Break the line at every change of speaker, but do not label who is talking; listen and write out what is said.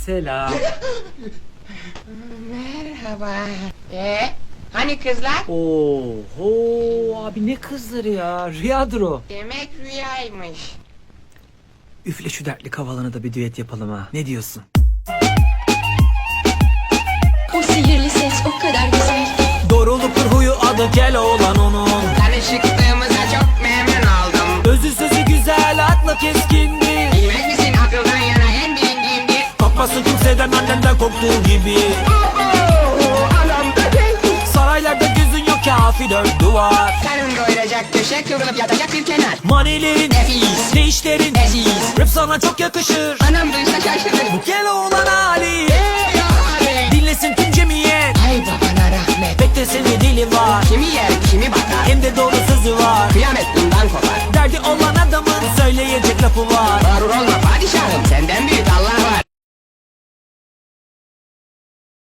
Selam.
Merhaba. Hani kızlar?
Oho abi, ne kızları ya, rüyadır o.
Demek rüyaymış.
Üfle şu dertli kavalana da bir düet yapalım ha, ne diyorsun?
O sihirli ses o kadar güzel.
Doğruluktur huyu, adı Keloğlan onun.
Tanışıklığımıza çok memnun oldum.
Özü sözü güzel, aklı keskindir.
Bilmez misin akıldan yana en bilindiğimdir.
Korkması kimseden, annenden korktuğu gibi.
Anam da geldi.
Saraylarda gözün yok, kafi dört duvar.
Karın doyuracak köşe, kıvrılıp yatacak bir kenar.
Manilerin,
Nefis.
ne işlerin,
Leziz.
rap sana çok yakışır.
Anam duysa şaşırır.
Bu Keloğlan hali,
Ya abi.
dinlesin tüm cemiyet.
Ay babana rahmet.
Beklesene dili var,
Kimi yer kimi bakar.
hem de doğru sözü var.
Kıyamet bundan kopar.
Derdi olan adamın söyleyecek lafı var.
Mağrur olma padişahım, senden büyük